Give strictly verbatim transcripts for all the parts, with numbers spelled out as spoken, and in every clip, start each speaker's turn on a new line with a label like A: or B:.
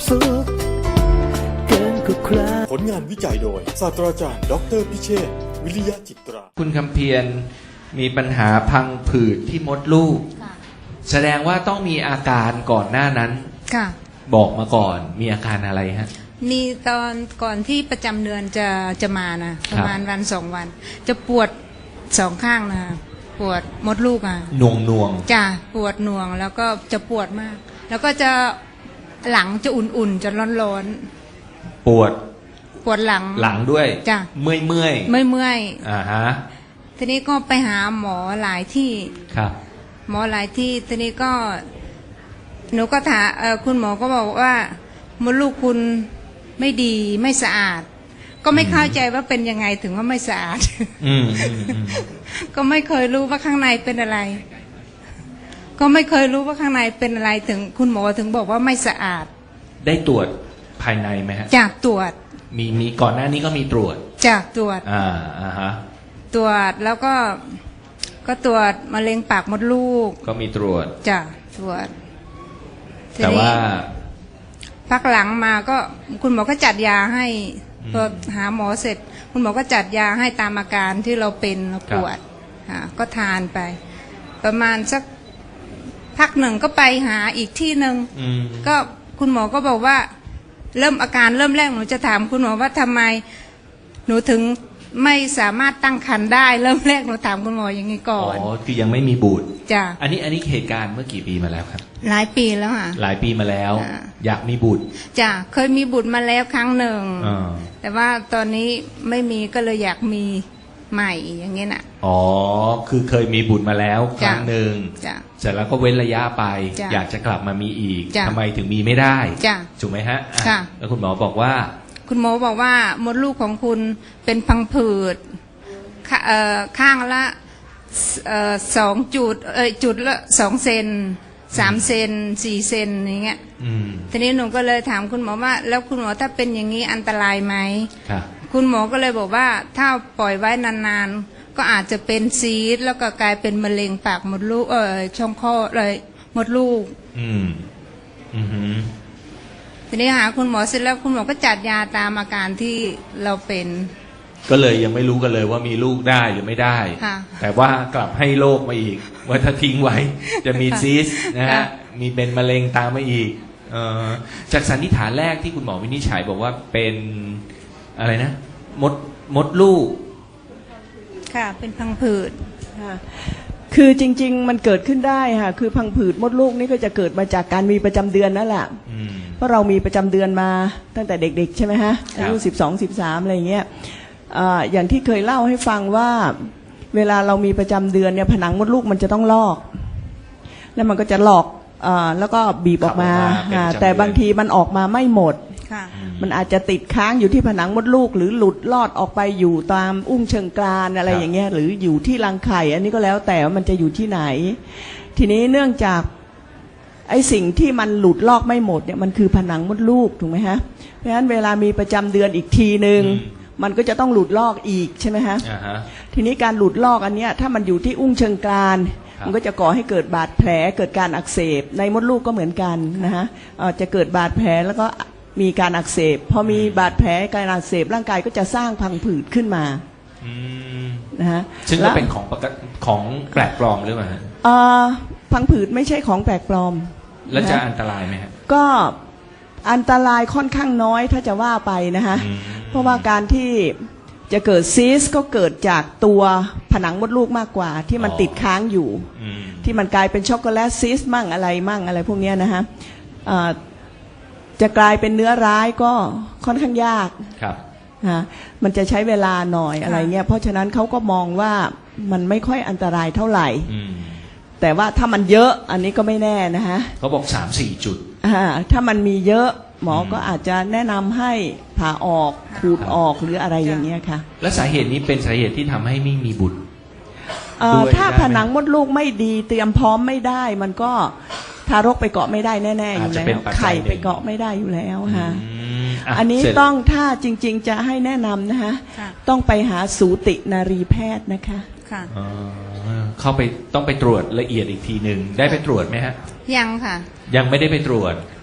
A: สุขเกินกว่าใคร
B: ผลงานวิจัยโดยศาสตราจารย์ดอกเตอรพิเชษฐ์วิริยะจิตรา
C: คุณคำเพียรมีปัญหาพังผืดที่มดลูก
D: ค่ะ
C: แสดงว่าต้องมีอาการก่อนหน้านั้น
D: ค่ะ
C: บอกมาก่อนมีอาการอะไรฮะ
D: มีตอนก่อนที่ประจำเดือนจะจะมานะประมาณวันสองวัน จะปวดสองข้างนะปวดมดลูกอ่ะ
C: หน่วงหน่วง
D: จะปวดหน่วงแล้วก็จะปวดมาก แล้วก็จะหลังจะอุ่นๆจะร้อน
C: ปวด
D: ๆปวดหลัง
C: หลังด้วย
D: จ้ะ
C: เมื่อยเมื่อย
D: ไม่เมื่อย
C: อ่าฮะ
D: ทีนี้ก็ไปหาหมอหลายที่
C: ครับ
D: หมอหลายที่ทีนี้ก็ หนูก็ถามเอ่อคุณหมอก็บอกว่ามดลูกคุณไม่ดีไม่สะอาด ก็ไม่เข้าใจว่าเป็นยังไงถึงว่าไม่สะอาด
C: อืมอืมอืม
D: ก็ไม่เคยรู้ว่าข้างในเป็นอะไร ก็ไม่เคยรู้ว่าข้างในเป็นอะไรถึงคุณหมอถึงบอกว่าไม่สะอาด
C: ได้ตรวจภายในไหมฮะ
D: จากตรวจ
C: มีมีก่อนหน้านี้ก็มีตรวจ
D: จากตรวจ
C: อ่าอ่าฮะ
D: ตรวจแล้วก็ก็ตรวจมะเร็งปากมดลูก
C: ก็มีตรวจ
D: จ้ะตรวจที
C: แต่
D: นี้
C: ว่า
D: พักหลังมาก็คุณหมอก็จัดยาให้
C: อืม
D: พอหาหมอเสร็จ คุณหมอก็จัดยาให้ตามอาการที่เราเป็นเราปวดค่ะก็ทานไป ประมาณสักพักหนึ่งก็ไปหาอีกที่หนึ่ง
C: อืม
D: ก็คุณหมอก็บอกว่า เริ่มอาการเริ่มแรกหนูจะถามคุณหมอว่าทำไมหนูถึงไม่สามารถตั้งครรภ์ได้ เริ่มแรกหนูถามคุณหมออย่างนี้ก่
C: อ๋
D: อ
C: อน คือยังไม่มีบุตร
D: จ้ะ
C: อันนี้อันนี้เหตุการณ์เมื่อกี่ปีมาแล้วครับ
D: หลายปีแล้วค่ะ
C: หลายปีมาแล้ว
D: อ่า
C: อยากมีบุตร
D: จ้ะเคยมีบุตรมาแล้วครั้งหนึ่ง
C: อ่า
D: แต่ว่าตอนนี้ไม่มีก็เลยอยากมีใหม่อย่างเงี้ยน่ะ
C: อ๋อ คือเคยมีบุตรมาแล้วค
D: จ้ะ
C: รั้งหนึ่ง
D: จ้ะ
C: เสร็จแล้วก็เว้นระยะไป
D: จ้ะ
C: อยากจะกลับมามีอีก
D: จ้ะ
C: ทำไมถึงมีไม่ได้
D: จ้ะ
C: ถูกไหมฮะอ่
D: ค่ะ
C: แล้วคุณหมอบอกว่า
D: คุณหมอบอกว่ามดลูกของคุณเป็นพังผืดขเอ่อข้างละเอ่อสองจุดเอยจุดละสองเซนสามเซนสี่เซนอย่างเงี้ย
C: อืม
D: ทีนี้หนูก็เลยถามคุณหมอว่า แล้วคุณหมอถ้าเป็นอย่างนี้อันตรายไหม
C: ค่ะ
D: คุณหมอก็เลยบอกว่าถ้าปล่อยไว้นานๆ ก็อาจจะเป็นซีสต์แล้วก็กลายเป็นมะเร็งปากมดลูกเออช่องคลอดเลยมดลูก
C: อืม อือหือ
D: ทีนี้หาคุณหมอเสร็จแล้วคุณหมอก็จัดยาตามอาการที่เราเป็น
C: ก็เลยยังไม่รู้กันเลยว่ามีลูกได้หรือไม่ได้
D: ค่ะ
C: แต่ว่ากลับให้โรคมาอีก ว่าถ้าทิ้งไว้ จะมีซีสต์นะฮะ
D: ค่ะ
C: มีเป็นมะเร็งตามมาอีกเอ่อจากสันนิษฐานแรกที่คุณหมอวินิจฉัยบอกว่าเป็นอะไรนะ มดมดลูก
D: ค่ะ เป็นพังผืด
E: ค่ะคือจริงๆมันเกิดขึ้นได้ค่ะคือพังผืดมดลูกนี่ก็จะเกิดมาจากการมีประจำเดือนนั่นแหละ
C: อืม
E: เพราะเรามีประจำเดือนมาตั้งแต่เด็กๆใช่ไหมฮะ
C: ครับ
E: อายุสิบสองสิบสามอะไรอย่างเงี้ยอ่าอย่างที่เคยเล่าให้ฟังว่าเวลาเรามีประจำเดือนเนี่ยผนังมดลูกมันจะต้องลอก แล้วมันก็จะหลอกอาแล้วก็บีบออกมา
C: ขับออกมาเป็น
E: อ่า
C: ประจำเดือน
E: แต่บางทีมันออกมาไม่หมด
D: ค่ะ
E: มันอาจจะติดค้างอยู่ที่ผนังมดลูก หรือหลุดลอดออกไปอยู่ตามอุ้งเชิงกรานอะไรอย่างเงี้ยหรืออยู่ที่รังไข่ อันนี้ก็แล้วแต่ว่ามันจะอยู่ที่ไหน ทีนี้เนื่องจากไอ้สิ่งที่มันหลุดลอกไม่หมดเนี่ยมันคือผนังมดลูกถูกไหมฮะเพราะฉะนั้นเวลามีประจำเดือนอีกทีหนึ่ง
C: อืม
E: มันก็จะต้องหลุดลอกอีกใช่ไหมฮะ
C: อ่าฮะ
E: ทีนี้การหลุดลอกอันเนี้ยถ้ามันอยู่ที่อุ้งเชิงกราน
C: ครับ
E: มันก็จะก่อให้เกิดบาดแผลเกิดการอักเสบในมดลูกก็เหมือนกันนะฮะเอ่อจะเกิดบาดแผลแล้วก็มีการอักเสบพอมีบาดแผลการอักเสบร่างกายก็จะสร้างพังผืดขึ้นมา
C: อืม
E: นะฮะ
C: ซึ่งก็
E: และ
C: เป็นของปกติของแปลกปลอมหรือเปล่าฮะ
E: เอ่อพังผืดไม่ใช่ของแปลกปลอม
C: แล้วจะ
E: นฮ
C: อันตรายไหมฮะ
E: ก็อันตรายค่อนข้างน้อยถ้าจะว่าไปนะฮะ
C: อืม
E: เพราะว่าการที่จะเกิดซีสต์ก็เกิดจากตัวผนังมดลูกมากกว่า ที่มันติดค้างอยู่
C: อืม
E: ที่มันกลายเป็นช็อกโกแลตซีสต์มั่งอะไรมั่งอะไรพวกเนี้ยนะฮะเอ่อจะกลายเป็นเนื้อร้ายก็ค่อนข้างยาก
C: ครับ
E: ฮะมันจะใช้เวลาหน่อยอะไรเงี้ยเพราะฉะนั้นเขาก็มองว่ามันไม่ค่อยอันตรายเท่าไหร่
C: อืม
E: แต่ว่าถ้ามันเยอะอันนี้ก็ไม่แน่นะฮะ
C: เขาบอกสามสี่จุด
E: อ่าถ้ามันมีเยอะหมออ
C: ม
E: ก็อาจจะแนะนำให้ผ่าออกขูดออกหรืออะไรอย่างเงี้ยค่ะ
C: และสาเหตุนี้เป็นสาเหตุที่ทำให้ไม่มีบุตร
E: เอ่อ
C: ด้วย
E: ถ้า
C: ได้ไหม
E: ผนังมดลูกไม่ดีเตรียมพร้อมไม่ได้ มันก็ทารกไปเกาะไม่ได้แน่ๆอยู่
C: อาจจะ
E: แล้
C: เป็น
E: ว
C: ปัจจัย
E: ไข่
C: หนึ่ง
E: ไปเกาะไม่ได้อยู่แล้วฮะ
C: อืมะ
E: อันนี้
C: เสร็จ
E: ต้องถ้าจริงๆจะให้แนะนำนะคะ
D: ค่ะ
E: ต้องไปหาสูตินารีแพทย์นะคะ
D: ค่ะ
C: อ๋อเข้าไปต้องไปตรวจละเอียดอีกทีหนึ่งได้ไปตรวจไหมฮะ
D: ยังค่ะ
C: ยังไม่ได้ไปตรวจ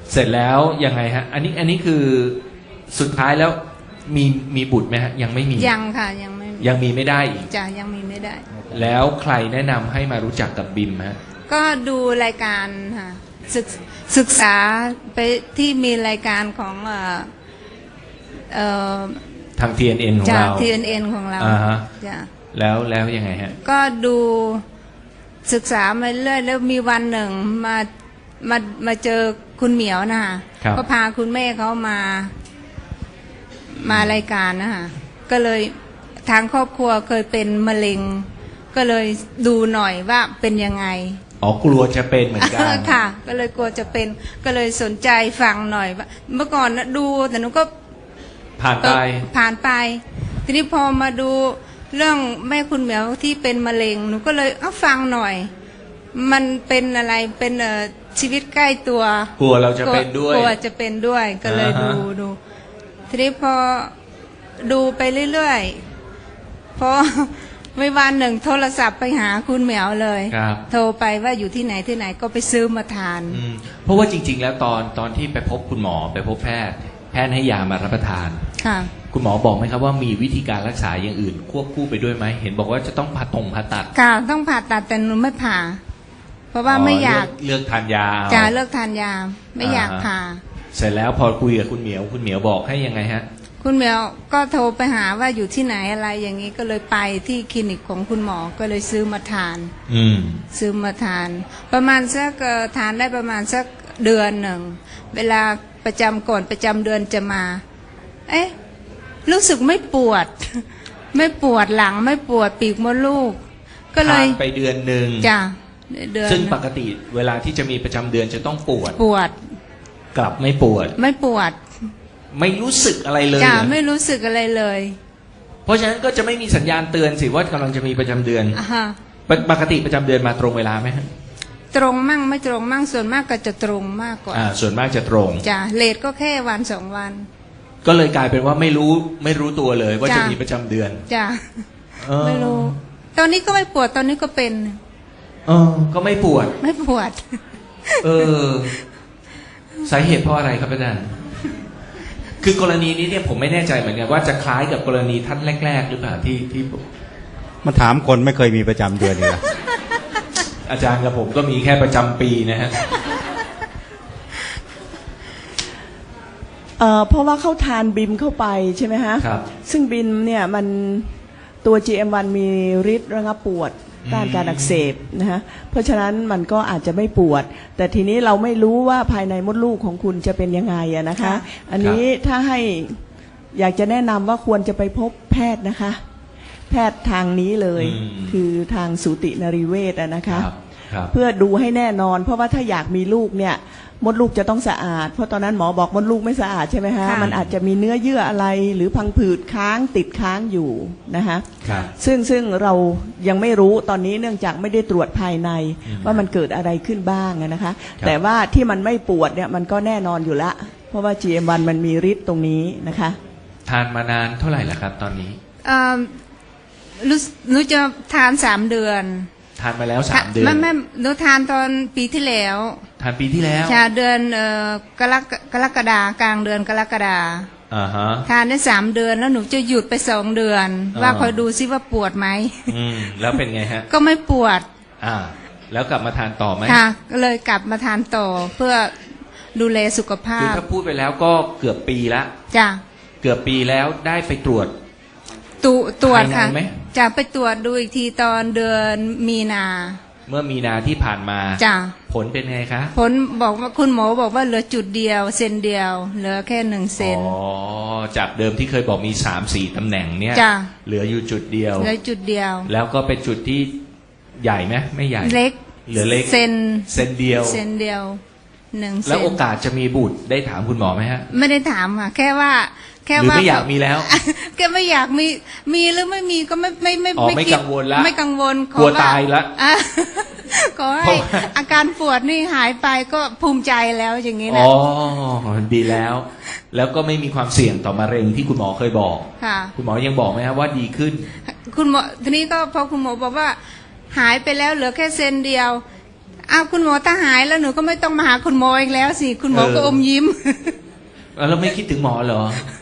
C: เสร็จแล้วยังไงฮะ อันนี้อันนี้คือสุดท้ายแล้วมีมีบุตรไหมฮะยังไม่มี
D: ยังค่ะยังไม่
C: ยังมีไม่ได้อีก
D: จ้ะยังมีไม่ได้
C: แล้วใครแนะนำให้มารู้จักกับบิมฮะ
D: ก็ดูรายการค่ะศึกศึกษาไปที่มีรายการของเอ่อเอ่อ
C: ทาง ที เอ็น เอ็น ของ
D: จาก
C: เรา
D: ที เอ็น เอ็น ของเรา
C: อ่าฮะ
D: จ้ะ
C: แล้วแล้วยังไงฮะ
D: ก็ดูศึกษามาเรื่อยแล้วมีวันหนึ่งมามามาเจอคุณเหมียวนะคะ
C: ครับ
D: ก็พาคุณแม่เขามามารายการนะคะก็เลยทางครอบครัวเคยเป็นมะเร็ง ก็เลยดูหน่อยว่าเป็นยังไง
C: อ๋อกลัวจะเป็นเหมือนกัน
D: ค่ะ ก็เลยกลัวจะเป็นก็เลยสนใจฟังหน่อยว่าเมื่อก่อนนะดูแต่หนูก็
C: ผ่าน
D: เอ
C: ไป
D: อผ่านไป ทีนี้พอมาดูเรื่องแม่คุณเหมียวที่เป็นมะเร็งหนูก็เลยเอาฟังหน่อย มันเป็นอะไรเป็นเอ่อชีวิตใกล้ตัว
C: กลัวเราจะเป็นด้วย
D: กลัวจะเป็นด้วยก็เลย
C: อ่า
D: ดู
C: ฮะ
D: ดูทีนี้พอดูไปเรื่อยๆพอ ไม่วันหนึ่งโทรศัพท์ไปหาคุณเหมียวเลย
C: ครับ
D: โทรไปว่าอยู่ที่ไหนที่ไหนก็ไปซื้อมาทาน
C: อืมเพราะว่าจริง ๆ แล้วตอนตอนที่ไปพบคุณหมอไปพบแพทย์ แพทย์ให้ยามารับประทาน
D: ค่ะ
C: คุณหมอบอกไหมครับว่ามีวิธีการรักษาอย่างอื่น ควบคู่ไปด้วยไหมเห็นบอกว่าจะต้องผ่าตรงผ่าตัด
D: ค่ะต้องผ่าตัดแต่หนูไม่ผ่า เพราะว่าไม่อยาก
C: เลือกเลือกทานยาเอา
D: จะเลิกทานยาไม่อยาก
C: อ่าฮะ
D: ผ่า
C: เสร็จแล้วพอคุยกับคุณเหมียวคุณเหมียวบอกให้ยังไงฮะ
D: คุณเหมียวก็โทรไปหาว่าอยู่ที่ไหนอะไรอย่างนี้ก็เลยไปที่คลินิกของคุณหมอก็เลยซื้อมาทาน
C: อืม
D: ซื้อมาทาน ประมาณสักเอ่อทานได้ประมาณสักเดือนหนึ่งเวลาประจำก่อนประจำเดือนจะมา เอ๊ะรู้สึกไม่ปวด ไม่ปวดหลังไม่ปวดปีกมดลูก ก็เล
C: ทาย นไปเดือนหนึ่ง
D: จ้ะเดือน
C: ซึ่งปกติเวลาที่จะมีประจำเดือนจะต้องปวด
D: ปวด
C: กลับไม่ปวด
D: ไม่ปวด
C: ไม่รู้สึกอะไรเลย
D: จ้ะ
C: เหรอ
D: ไม่รู้สึกอะไรเลย
C: เพราะฉะนั้นก็จะไม่มีสัญญาณเตือนสิว่ากำลังจะมีประจำเดือน
D: อ่าฮะ
C: ปกปกติประจำเดือนมาตรงเวลาไหมฮะ
D: ตรงมั่งไม่ตรงมั่งส่วนมากก็จะตรงมากกว่า
C: อ่า ส่วนมากจะตรง
D: จ้ะเลทก็แค่วันสองวัน
C: ก็เลยกลายเป็นว่าไม่รู้ไม่รู้ตัวเลยว่า
D: จ้ะ
C: จะมีประจำเดือน
D: จ้ะ
C: เออ
D: ไม่รู้ ตอนนี้ก็ไม่ปวดตอนนี้ก็เป็น
C: เออก็ไม่ปวด
D: ไม่ปวด
C: เออ สาเหตุเพราะอะไรครับอาจารย์ คือกรณีนี้เนี่ยผมไม่แน่ใจเหมือนกันว่าจะคล้ายกับกรณีท่านแรก ๆ หรือเปล่าที่ที่
F: มาถามคนไม่เคยมีประจำเดือนเลย
C: อาจารย์กับผมก็มีแค่ประจำปีนะฮะ
E: เอ่อเพราะว่าเขาทานบิมเข้าไปใช่ไหมฮะ
C: ครับ
E: ซึ่งบิมเนี่ยมันตัว จี เอ็ม วัน มีฤทธิ์ระงับปวดต้านการอักเสบนะฮะเพราะฉะนั้นมันก็อาจจะไม่ปวด แต่ทีนี้เราไม่รู้ว่าภายในมดลูกของคุณจะเป็นยังไงอะนะคะ
D: ค่ะ
E: อันนี้ถ้าให้อยากจะแนะนำว่าควรจะไปพบแพทย์นะคะ แพทย์ทางนี้เลย
C: อืม
E: คือทางสูตินรีเวชอะนะคะ
C: ครับครับ
E: เพื่อดูให้แน่นอน เพราะว่าถ้าอยากมีลูกเนี่ยมดลูกจะต้องสะอาด เพราะตอนนั้นหมอบอกมดลูกไม่สะอาดใช่ไหมฮะ
D: ค่ะ
E: มันอาจจะมีเนื้อเยื่ออะไรหรือพังผืดค้างติดค้างอยู่นะคะ
C: ครับ
E: ซึ่งซึ่งเรายังไม่รู้ตอนนี้เนื่องจากไม่ได้ตรวจภายใน
C: อืม
E: ว่ามันเกิดอะไรขึ้นบ้างอะนะคะ
C: ครับ
E: แต่ว่าที่มันไม่ปวดเนี่ยมันก็แน่นอนอยู่ละ เพราะว่า จี เอ็ม วัน มันมีฤทธิ์ตรงนี้นะคะ
C: ทานมานานเท่าไหร่แล้วครับ ตอนนี้
D: เอ่อรู้รู้จะทานสามเดือน
C: ทานมาแล้วสามเดือน
D: ไม่ไม่หนูทานตอนปีที่แล้ว
C: ทานปีที่แล้ว
D: ชาเดือนเอ่อกรกกรกฎากลางเดือนกรกฎา
C: อ่าฮะ
D: ทานได้สามเดือนแล้วหนูจะหยุดไปสองเดือน
C: อ่า
D: ว่าคอยดูซิว่าปวดไหม
C: อืมแล้วเป็นไงฮะ
D: ก็ไม่ปวด
C: อ่า แล้วกลับมาทานต่อไหม
D: ค่ะก็เลยกลับมาทานต่อเพื่อดูแลสุขภา
C: คือ
D: พ
C: ถ้าพูดไปแล้วก็เกือบปีละ
D: จ้ะ
C: เกือบปีแล้วได้ไปตรวจ
D: ตุตรวจค่ะ
C: ภายในไหม
D: จะไปตรวจดูอีกทีตอนเดือนมีนา
C: เมื่อมีนาที่ผ่านมา
D: จ้ะ
C: ผลเป็นไงคะ
D: ผลบอกว่าคุณหมอบอกว่าเหลือจุดเดียวเซนเดียว เหลือแค่หนึ่งเซน
C: อ๋อ จากเดิมที่เคยบอกมีสามสี่ตำแหน่งเนี่ย
D: จ้ะ
C: เหลืออยู่จุดเดียว
D: เหลือจุดเดียว
C: แล้วก็เป็นจุดที่ใหญ่ไหมไม่ใหญ่
D: เล็ก
C: เหลือเล็ก
D: เซน
C: เซนเดียว
D: เซนเดียวหนึ่งเซ
C: แล้ว
D: น
C: โอกาสจะมีบุตรได้ถามคุณหมอไหมฮะ
D: ไม่ได้ถามค่ะแค่ว่า แค่
C: หรือ
D: ว่า
C: ไม่อยากมีแล้ว
D: แค่ไม่อยากมีมีหรือไม่มีก็ไม่ไม่ไม่
C: อ๋อไม่
D: คิด
C: กังวลละ
D: ไม่กังวลข
C: กลัว
D: อ
C: ตายละ
D: อ่ะ ขอ
C: เพ
D: ให้
C: ราะว่า
D: อาการปวดนี่หายไปก็ภูมิใจแล้วอย่างนี้
C: อ๋
D: นะ
C: อ ดีแล้ว แล้วก็ไม่มีความเสี่ยงต่อมะเร็งที่คุณหมอเคยบอก
D: ค่ะ
C: คุณหมอยังบอกไหมครับว่าดีขึ้น
D: คุณหมอทีนี้ก็พอคุณหมอบอกว่า หายไปแล้วเหลือแค่เซนเดียวอ้าวคุณหมอถ้าหายแล้วหนูก็ไม่ต้องมาหาคุณหมออีกแล้วสิคุณหมอก็อมยิ้ม
C: แล้วไม่คิดถึงหมอเหรอ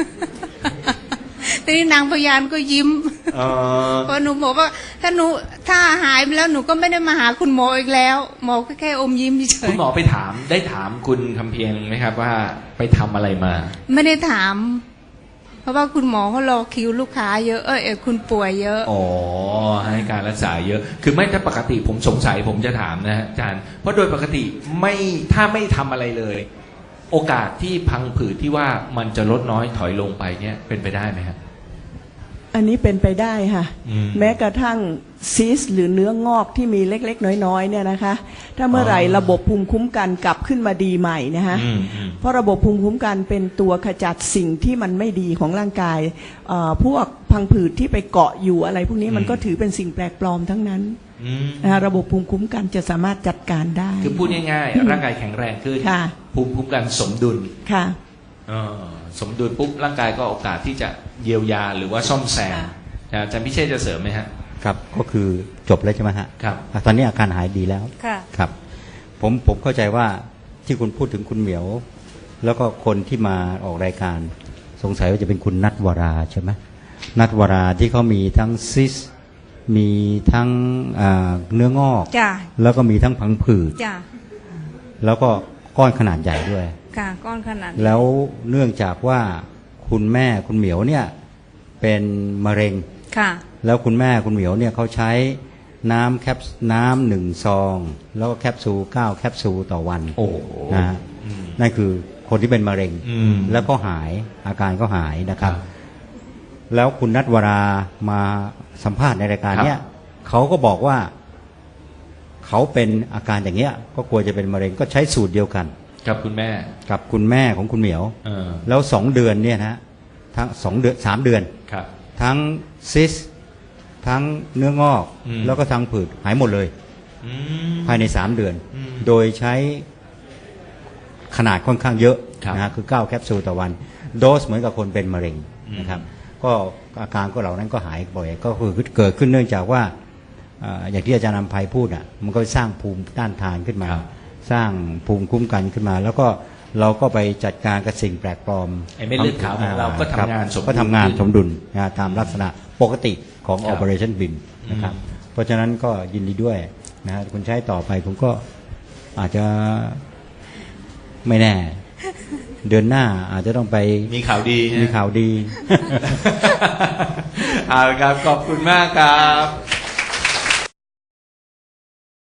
D: ทีนี้นางพยานก็ยิ้ม
C: เออ
D: เพราะหนูบอกว่าถ้าหนูถ้าหายไปแล้วหนูก็ไม่ได้มาหาคุณหมออีกแล้ว หมอก็แค่อมยิ้มเฉ
C: คุ
D: ย
C: ณหมอไปถามได้ถามคุณคำเพียงไหมครับว่าไปทำอะไรมา
D: ๆไม่ได้ถาม เพราะว่าคุณหมอเขารอคิวลูกค้าเยอะเออเออคุณป่วยเยอะ
C: อ๋อให้การรักษาเยอะ คือไม่ถ้าปกติผมสงสัยผมจะถามนะฮะอาจารย์เพราะโดยปกติไม่ถ้าไม่ทำอะไรเลย โอกาสที่พังผืดที่ว่ามันจะลดน้อยถอยลงไปเนี่ยเป็นไปได้ไหมครับ
E: อันนี้เป็นไปได้ค่ะ
C: อืม
E: แม้กระทั่งซีสต์หรือเนื้องอกที่มีเล็กๆ น้อยๆเนี่ยนะคะ ถ้าเมื่อไหร่
C: อ๋อ
E: ระบบภูมิคุ้มกันกลับขึ้นมาดีใหม่นะคะ
C: อืมอืม
E: เพราะระบบภูมิคุ้มกันเป็นตัวขจัดสิ่งที่มันไม่ดีของร่างกายเอ่อพวกพังผืดที่ไปเกาะอยู่อะไรพวกนี้มันก็ถือเป็นสิ่งแปลกปลอมทั้งนั้น
C: อืม
E: นะคะระบบภูมิคุ้มกันจะสามารถจัดการได้
C: คือพูดง่ายๆร่างกายแข็งแรงขึ้น
E: ค่ะ
C: ภูมิคุ้มกันสมดุล
E: ค่ะ
C: เออสมดุลปุ๊บร่างกายก็โอกาสที่จะเยียวยาหรือว่าซ่อมแซมอาจารย์พิเชษจะเสริมไหมฮะ
F: ครับก็คือจบแล้วใช่ไหมฮะ
C: ครับ
F: อ่ะตอนนี้อาการหายดีแล้ว
D: ค่ะ
F: ครับ ผมผมเข้าใจว่าที่คุณพูดถึงคุณเหมียว แล้วก็คนที่มาออกรายการ สงสัยว่าจะเป็นคุณนัทวราใช่ไหมนัทวราที่เขามีทั้งซิส มีทั้งอ่าเนื้องอก
D: จ้ะ
F: แล้วก็มีทั้งพังผืด
D: จ้ะ
F: แล้วก็ก้อนขนาดใหญ่ด้วย
D: ค่ะก้อนขนาดนี้
F: แล้วเนื่องจากว่าคุณแม่คุณเหมียวเนี่ยเป็นมะเร็ง
D: ค่ะ
F: แล้วคุณแม่คุณเหมียวเนี่ยเขาใช้น้ำแคปน้ำหนึ่งซอง แล้วก็แคปซูลเก้าแคปซูลต่อวัน
C: โอ้
F: นะฮะ
C: อืม
F: นั่นคือคนที่เป็นมะเร็ง
C: อืม
F: แล้วก็หายอาการก็หายนะครับ
C: ครับ
F: แล้วคุณนัทวรามาสัมภาษณ์ในรายการเนี้ยเขาก็บอกว่าเขาเป็นอาการอย่างเงี้ย ก็กลัวจะเป็นมะเร็งก็ใช้สูตรเดียวกัน
C: กับคุณแม่
F: กับคุณแม่ของคุณเหมียว
C: เออ
F: แล้วสองเดือนเนี่ยนะทั้งสองเดือนสามเดือน
C: ครับ
F: ทั้งซิส ทั้งเนื้องอก
C: อืม
F: แล้วก็ทั้งผืดหายหมดเลย
C: อืม
F: ภายในสามเดือน
C: อืม
F: โดยใช้ขนาดค่อนข้างเยอะ
C: ครับ
F: นะฮะคือเก้าแคปซูลต่อวัน โดสเหมือนกับคนเป็นมะเร็ง
C: อืม
F: นะครับ ก็อาการก็เหล่านั้นก็หายบ่อย ก็คือเกิดขึ้นเนื่องจากว่าเอ่ออย่างที่อาจารย์นำภัยพูดอ่ะมันก็สร้างภูมิต้านทานขึ้นมา สร้างภูมิคุ้มกันขึ้นมา แล้วก็เราก็ไปจัดการกับสิ่งแปลกปลอม
C: ไอ้เม็ดเลือดขาวของเราก็ทำงานสมดุล
F: ก็ทำงานสมดุลนะตามลักษณะปกติของ
C: ครับ
F: Operation B I M นะครับ เพราะฉะนั้นก็ยินดีด้วยนะฮะคุณใช้ต่อไปผมก็อาจจะไม่แน่ เดือนหน้าอาจจะต้องไป
C: มีข่าวดีฮะ
F: มีข่าวดี
C: เอาละครับ ขอบคุณมากครับ